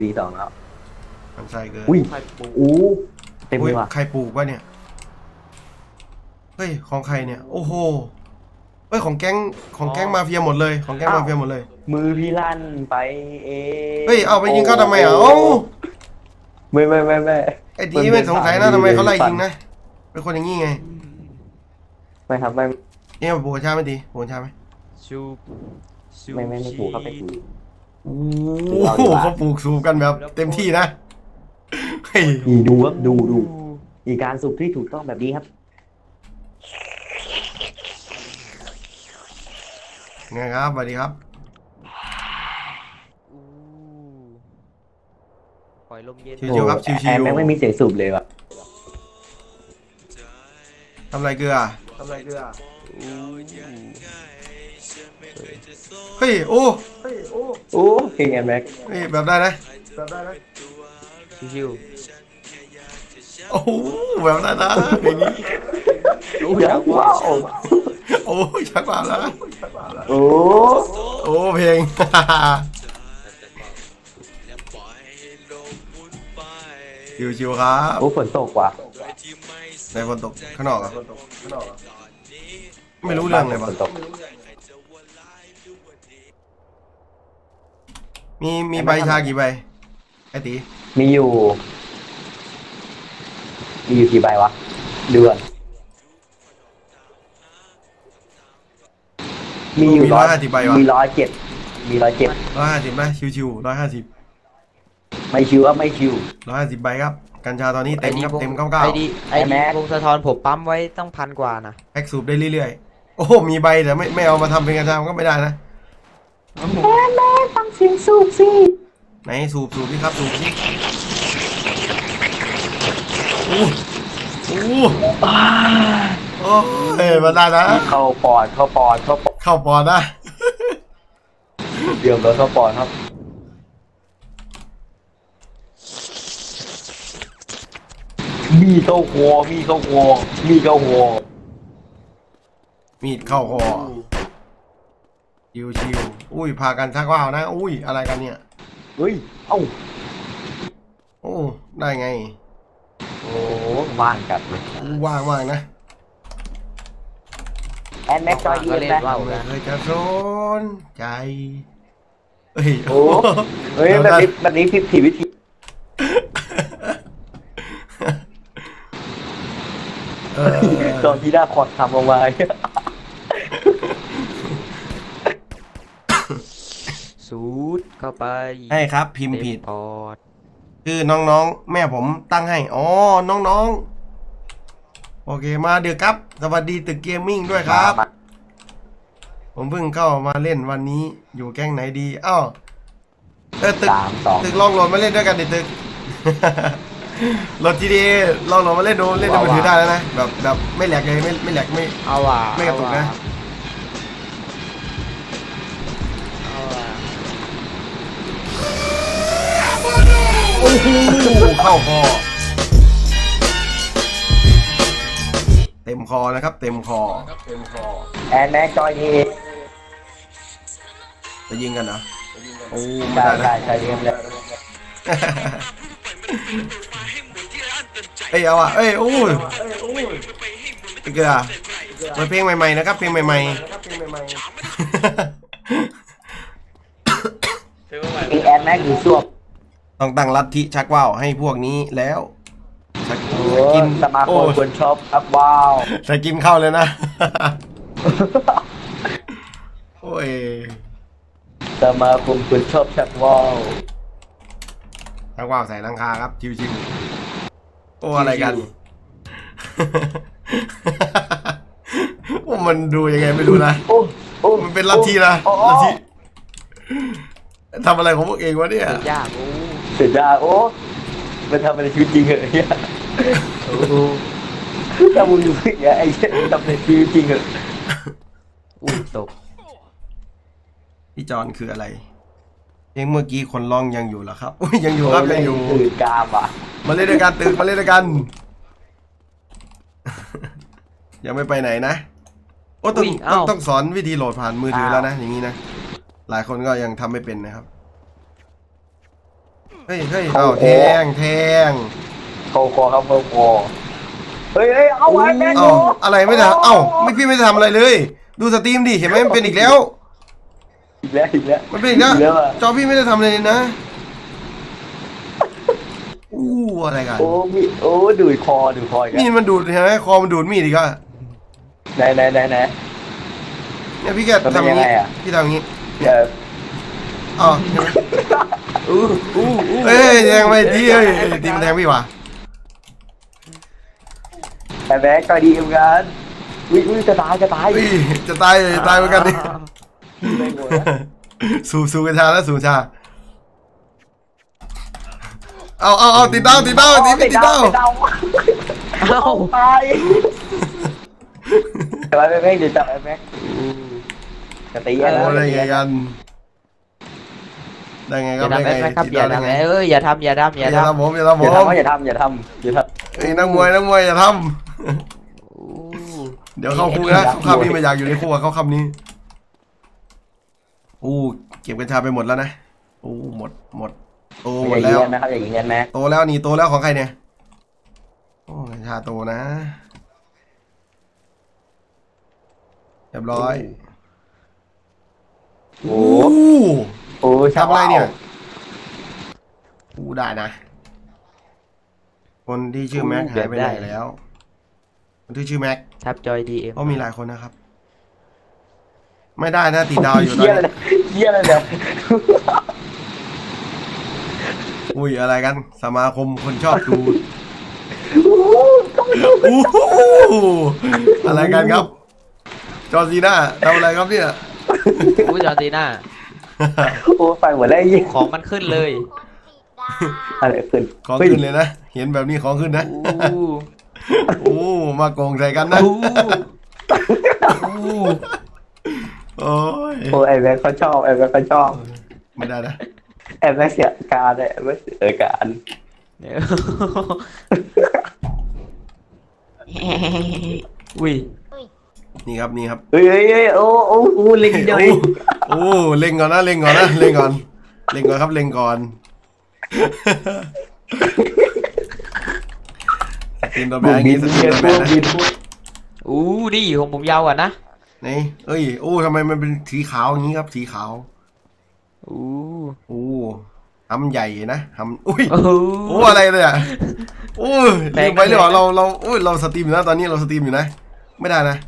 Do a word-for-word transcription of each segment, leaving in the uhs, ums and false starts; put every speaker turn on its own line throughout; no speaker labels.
ปีสองแล้ว
มันใส่เกิน
อุ้ย
ใครปลูก
อู้เต็มเล
อุ้ย
ยว่ะ
ใครปลูกวะเนี่ยเฮ้ยของใครเนี่ยโอ้โหเฮ้ยของแก๊งของแก๊งมาเฟียหมดเลยของแก๊งมาเฟียหมดเลย
มือพี่ลั่นไปเอง
เฮ้ยเอาไปยิงเขาทำไมอ่ะเอ้า
ไม่ไม่ไม่ไม่
ไอ้ดีไม่สงสัยนะทำไมเขาไล่ยิงนะเป็นคนอย่างงี้ไง
ไม่ครับไม่
เนี่ยปลูกกระชาไม่ดีปลูกกระชาไหม
ชูชู
ไม่ไม่ไม่ถูกครับไม่ถูก
โอ้โหเขาปลูกสูบกันแบบเต็มที่นะเฮ้ย
อีดูครับดูดูอีการสูบที่ถูกต้องแบบนี้ครับ
ไงครับสวัสดีครับ
อู้ปล่อยลมเย็น
ชิวๆครับชิวๆ
แอนแม่งไม่มีเสียงสูบเลยว่ะ
ทำไรเกลือทำไรเกลือ
อู้
เฮ้ยโอ้
โอ้เพลงแอนแม็ก
เฮ้ยแบบได้นะ
ชิว
โอ้โหแบบได้นะเพลงนี้
ๆอู้
เดี๋ยว
จักว่า
ว้าว
โอ้ยชักมาแล้ว
โอ้
โอ้เพลง ชิวๆครับ
โอ้ฝนตกว่ะ
ในฝนตกข้างนอกอ่ะไม่รู้เรื่องเลย
ฝ
วะ
นตก
มีมีใบชากี่ใบไอ้ตี
มีอยู่ มีอยู่กี่ใบวะเดือนมีอยู่
ร้อยห้าสิบใบวะ
มีร้อยเจ็ดมีร้อยเจ็ด
ร้อยห้าสิบไหมชิวๆร้อยห้าสิบ
ไม่ชิวครับไม่ชิว
ร้อยห้าสิบใบครับกัญชาตอนนี้เต็มครับเต็มเก้า
ไอ
เก้า
ดีไอ
ไอ้
ดี
แม็ก
วงสะท้อนผมปั๊มไว้ต้องพันกว่านะ
แพ็กสูบได้เรื่อยๆโอ้โหมีใบแต่ไม่ไม่เอามาทำเป็นกัญชามันก็ไม่ได้นะ
แม่แม่ฟังเสียงสูบสิ
ไหนสูบสูบนี่ครับสูบนี่โอ้โหโอ้ยมาได้นะ
เข้าปอดเข้าปอดเข้าปอด
เข้าปอดนะ
เดี๋ยวเราเข้าปอดครับมีเข้าหัวมีเข้าหัวมีเข้าหัว
มีดเข้าคอชิวชิวๆอุ้ยพากันชักว่าวนะอุ้ยอะไรกันเนี่ย
เฮ้ยเอ้า
โอ้ได้ไง
โอ้ว่างจัดเลย
อู้ว่างมากนะ
แอนแม็กจอยดี
ก็
เอ็
เล่
ม
น
ไหม
ว่าว
ไม่
กัน
เคยจะสนใจเฮ้ย
โอ้เฮ้ยแบบนี้แบบนี้ผิดผิดวิธี
เออ
ตอนที่ได้คอร์ดทำออกมา
สูดเข้าไป
ให้ครับพิมพ์ผิด
เต็ปอด
คือน้องๆแม่ผมตั้งให้อ๋อน้องๆโอเคมาเดือครับสวัสดีตึกเกมมิ่งด้วยครับ ผมเพิ่งเข้ามาเล่นวันนี้อยู่แก๊งไหนดีอ้าวเออตึก
สามสอง
ตึกลองโหลดมาเล่นด้วยกันดิตึก โหลดทีดีลองโหลดมาเล่นดูเล่นในมือถือได้แล้วนะแบบแบบไม่แหลกเลยไม่ไม่แหลกไม่
เอาว่ะ
ไม่กระตุกนะ
เอาว่ะ
โอ้โหเข้าคอเต็มคอนะครับ เต็มคอเต็มคอ
แอนแม็กจอยดี
จะยิงกันเหรอโอ้ไม่
ใช่
ได้นะ
ใช่ใช่เอ็มเลย
เอ้ยเอาอ่ะเอ้ยโอ้ยไอ้เกลือเปิดเพลงใหม่ๆนะครับเพลงใหม่ๆ
มีแอนแม็กหรือส้วม
ต้องตั้งลัทธิชักว่าวให้พวกนี้แล้วชัก
โอ้
กิน
สมาค
โอ้
มคนชอบครับว้าว
ชักกินเข้าเลยนะ โอ้ย
สมาคมคนชอบชักว้าว
ชักว่าวใส่หลังคาครับชิวๆโอ้อะไรกัน โอ้มันดูยังไงไม่รู้นะ
โอ้โอ้
มันเป็นลัทธินะ
โอ้
ลัทธิทำอะไรของพวกเองวะเนี่ย
สุดยากโอ้
เสียดายโอ้มันทำในชีวิตจริงเหรอเนี่ย
โอ้โห
ถ้ามึงอยู่อย่างเงี้ยไอ้เหี้ยทำในชีวิตจริงเหรอ
อุ้ยตก
พี่จอนคืออะไรเพลงเมื่อกี้คนร้องยังอยู่เหรอครับอุ้ยยังอยู่ครับยังอยู่
ตื่นกามว่ะ
มาเล่นด้วยกันตึกมาเล่นด้วยกัน ยังไม่ไปไหนนะโอ้ต้องต้องต้องสอนวิธีโหลดผ่านมือถือแล้วนะอย่างนี้นะหลายคนก็ยังทำไม่เป็นนะครับเฮ้ยเฮ้ยเอาแทงแทง
เข้าคอครับเข้าคอเฮ้ยเฮ้ยเอาไว้แม่ง
เอาอะไรไม่ทำเอ้าไม่พี่ไม่ได้ทำอะไรเลย ดูสตรีมดิเห็นไหมมันเป็นอีกแล้ว
อีกแล้วอีกแล้ว
มันเป็นอีกแล้ว
อีกแล้วอะ
จอพี่ไม่ได้ทำอะไรเลยนะอู้อะไรกัน
โอ้มีโอ้ดูดคอดูดคออีก
นี่
แล้ว
มันดูดเห็นไหมคอมันดูดมีดอีกอะ
ไหนไหนไหนไหน
เนี่ยพี่แก
มันเป็
ทำ
น
อย่างนี้
ยังไงอะ
พี่ทำอย่างนี้
เดี๋ยว
อ๋อเห็นไหม
อู้อู้อู้
เอ้ยแทงไปทีเอ้ยตีมันแทงพี่วะ
แต่แม็กก็ดีเหมือนกันวิวิจะตายจะตาย
เฮ้ยจะตายจะตายเหมือนกันนี่
ไม่โง่นะ
สูบสูบกัญชาแล้วสูบชาเอาเอาเอาติดเต้าติดเต้าติดติดเต้า
ติดเต้า
เอ้า
ตายแต่ว่าแม็กจะจับไอ้แม็กจะตี
โอ้
นะ
ได้ไงกันได้ไง
อ
ครับ
ย่า
ได้
ทำ
ไง
แม็กครับ
ติด
อย่า
เต้าได้
ทำ
ไง
เอ้ยอย่าทำอย่าทำอย่า
อย่า
ทำ
ทำผมอย่าทำผ
อย่าม ทำอย่าทำอย่าทำอย่าทำ
เอ้ยนักมวยนักมวยอย่าท
อู้
ำเดี๋ยวเข้าคุกนะเข้าคำนี้ไม่อยากอยู่ในคุกอะเข้าคำนี้อู้เก็บกัญชาไปหมดแล้วนะอู้หมดหมดโตหม
อ
ด
ย่ายิ
แล้
ง
ว
กันนะครับอย่ายิงกันแม็ก
โตแล้วนี่โตแล้วของใครเนี่ยโอ้กัญชาโตนะเรียบร้อย
โอ้
อู้
โอ้
ทำอะไรเนี่ยอู้ได้นะ คนที่ชื่อแม็กหายไปไหนแล้ว คนที่ชื่อแม็ก
ทับจอยดีเอ็ม
ก็มีหลายคนนะครับ ไม่ได้นะติดดาวอยู่ตอน
เยี่ยอะไร
นี้
เยี่ยอะไรเนี่ย
อุ้ยอะไรกัน สมาคมคนชอบดู
โอ้
อู้หูอะไรกันครับ จอร์ซีน่าทำอะไรครับเนี่ย
อู้จอร์ตีน่า
โหไฟหมดแล้วไอ้เยี่ย
ของมันขึ้นเลย
อะไรขึ้น
ของขึ้นเลยนะ เห็นแบบนี้ของขึ้นนะ
อู้
โอ้มาโกงใส่กันนะ
อู้อู้
โอ้ย
โอ้ไอ้แม็กเขาชอบไอ้แม็กเขาชอบ
ไม่ได้นะ
ไอ้แม็กเสียการไอ้แม็กเสียการ
เนี่ยอุ้ย
นี่ครับนี่ครับ
เฮ้ยเฮ้ยเฮ้ยโอ้โอ้โอ้เล็งเดียวเอง
โอ้โอ้เล็งก่อนนะเล็งก่อนนะเล็งก่อนเล็งก่อนครับเล็งก่อนสกินตัวแบ
บุ
ง
ก
ค์
บิ
นี้
น
สกิ
เบี
น
ย
ตัว
ร์
แบ
พว
ง
ก
ค์
บิ
นะ
นพวก
อู้ดิของผมยาวกว่านะ
นี่เอ้ยโอ้ทำไมมันเป็นสีขาวอย่างนี้ครับสีขาว
อู้
โอ้ทำใหญ่นะทำอุ้ย
โอ้
โอ้อะไรเลยอ่ะโอ้ยลืมไปเลยเหรอเราเราโอ้ยเราสตรีมอยู่นะตอนนี้เราสตรีมอยู่นะไม่ได้นะ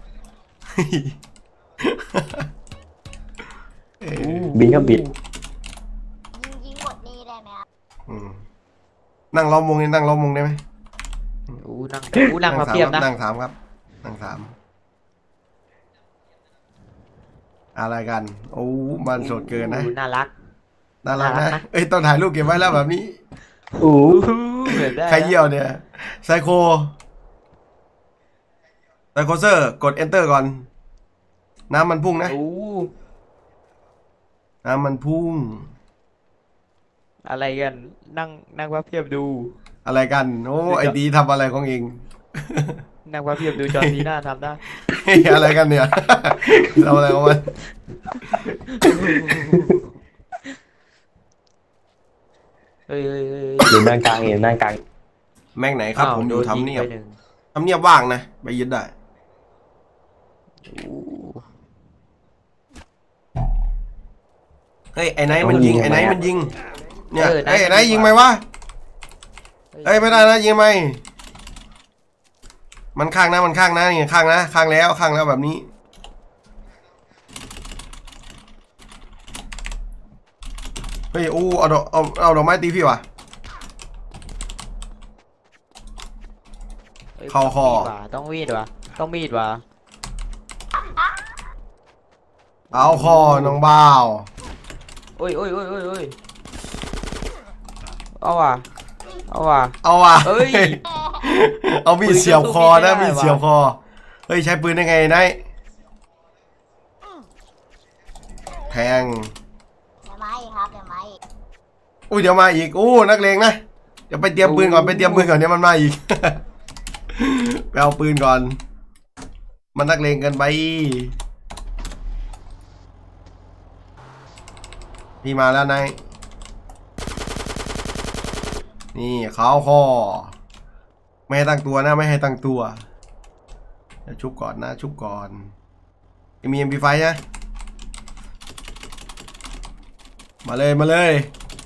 เอ้ย
บินครับบิน
ยิงยิงหมดนี่ได้ไหมครับ
อืมนั่งล้อมวงนี่นั่งล้อมวงได้ไหม
อู้นั่งอู้นั่งมาเพียบนะ
นั่งสามครับนั่งสามอะไรกัน โอ้มันสดเกินนะ
อู้น่ารัก
น่ารัก
น่ารั
นะ
กนะ
เอ้ยต้องถ่ายรูปเก็บไว้แล้วแบบนี้
โอ้
อู้เหมือนได้
ใครเยี่ยวเนี่ยไซโคไซโคเซอร์กด enter ก่อน น้ำมันพุ่งนะ
อู้
น้ำมันพุ่ง
อะไรกันนั่งนั่งมาเพียบดู
อะไรกัน โอ้ไอดีทำอะไรของเอง
นั่งมาเพียบดูจอร์ซีน่าทำได้
เฮ้ยอะไรกันเนี่ย ทำอะไรของมัน
เฮ้ยเฮ้ยเฮ้ย
อยู่ด้านกลางอยู่ด้านกลาง
แม่งไหนครับ
อ้าว
ผมอยู่
โดน
ทำ
ยิง
เนียบ
ไปหนึ่ง
ทำเนียบว่างนะ ไปยึดได้
อู้
เฮ้ยไอ้ไนท์มันยิงไอ้ไนท์มันยิง เนี่ย
เออ
เฮ้ยไอ้ไน
นาย
ท์ยิงไหมวะเฮ้ยไม่ได้นะยิงไหมมันข้างนะมันข้างนะนี่ข้างนะข้างแล้วข้างแล้วแบบนี้เฮ้ยอู้เอาดอกเอาเอาดอกไม้ตีพี่วะ
ฮ้ย
เข้าคอ
มีดว่ะต้องมีดว่ะต้องมีดว่ะ
เอาคอน้องบ่าว
โอ้ยโอ้ยโอ้ยโอ้ยโอ้ยเอาว่ะเอาว่ะ
เอาว่ะ
เอ้ย
เอามีดเสียบคอนะ
ปื
มี
น
ด
ก็สู้
เสียบ
ไม่ได้
คอเฮ้ยใช้ปืนได้ไงไนท์แทง
เดี๋ยวมาอีกครับเดี๋ยวมาอีก
อุ้ยเดี๋ยวมาอีกอู้นักเลงนะเดี๋ยวไปเตรียมปืนก่อนไปเตรียมปืนก่อนเดี๋ยวมันมาอีก ไปเอาปืนก่อน มันนักเลงเกินไปพี่มาแล้วนายนี่เขาคอไม่ให้ตั้งตัวนะไม่ให้ตั้งตัวเดี๋ยวชุบก่อนนะชุบก่อนมี เอ็ม พี ไฟว์ นะมาเลยมาเลย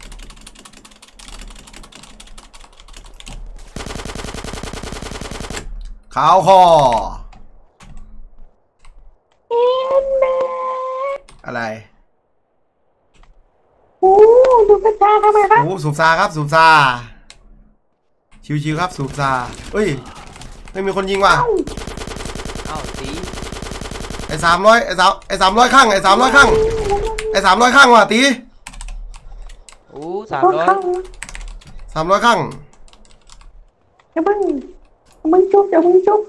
ขาวคออะไร
โอ้ดูกระจาทำไมครับ
โอ้สูบซาครับสูบซาชิวๆครับสูบซาเฮ้ยไม่มีคนยิงว่ะ
เอ้าตี
ไอ้สามร้อยไอ้สามไอ้สามร้อยข้างไอ้สามร้อยข้างไอ้สามร้อยข้างว่ะตี
โอ้สามร้อย
สามร้อยข้าง
อย่าเพิ่งอย่าเพิ่งจุบอย่าเพิ่งจุบ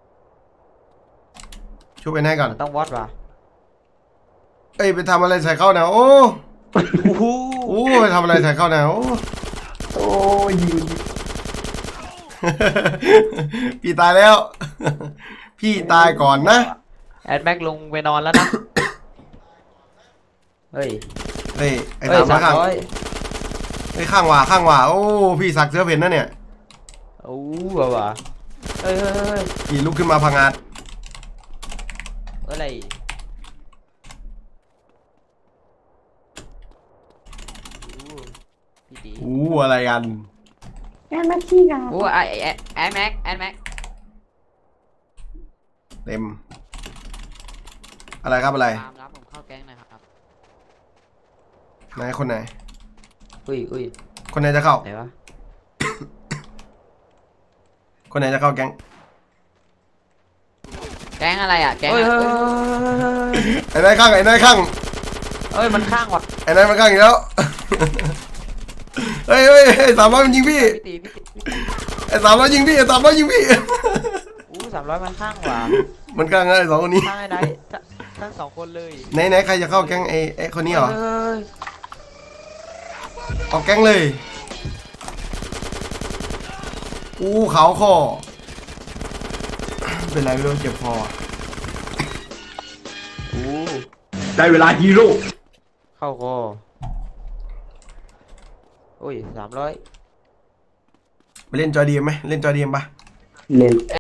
ช่วยไปไหนก่อน
มันต้องวัดว่ะ
เอ้ยไปทำอะไรใส่เข้าเนี่ยโอ้
โอ้โห
โอ้ไปทำอะไรใส่เข้าเนี่ยโอ้
โอ้ยยิง
พี่ตายแล้ว พี่ตายก่อนนะ
แอดแม็กลงไปนอนแล้วนะ เฮ้ย
เฮ้ยไอ้
เฮ้ย
สามร้อ
สาย ม
ข้าง
ร้อย
ไอ้ข้างว่ะข้างว่ะโอ้พี่สักเสื้อเพ่นนะเนี่ย
โอ้ว่ะว่ะเฮ้ยเฮ้ยเฮ้ย
พี่ลุกขึ้นมาพังงาด
อะไรโอ้พี่ดี
อู้อะไรกัน
แอนมาขี้กัน
โอ้ไอไอแอดแม็กแอดแม็ก
เต็มอะไรครับอะไร
ตามรับผมเข้าแก๊งหนะครับ
ไหนคนไหน
อุ้ยอุ้ย
คนไหนจะเข้า
ไหนวะ
คนไหนจะเข้าแก๊ง
แก๊งอะไรอ่ะแก๊งเฮ้ย
ไอ้นายข้างไอ้นายข้าง
เฮ้ยมันข้างว่ะ
ไอ้นายมันข้างอีกแล้ว เฮ้ยเฮ้ยไอ้สามร้อยมันยิงพี่
พี่ตีพี่ตีพี่ตี
ไอ้สามร้อยยิงพี่ไอ้สามร้อยยิงพี่
อู้สามร้อยมันข้างว่ะ
มันข้างไอ้สองคนนี้
ข้างไอ้ไหนทั้งสองคนเลย
ไหนไหนใครจะเข้าแก๊งไอ้ไอ้คนนี้เหรอ
เฮ้ย
ออกแก๊งเลยอู้ขาวคอเป็นไรไม่รู้เจ็บคอ
อู้
ได้เวลาฮีโร่
เข้าคอโอ้ยสามร้อย
ไปเล่นจอดีมไหมเล่นจอดีมปะ
เล่น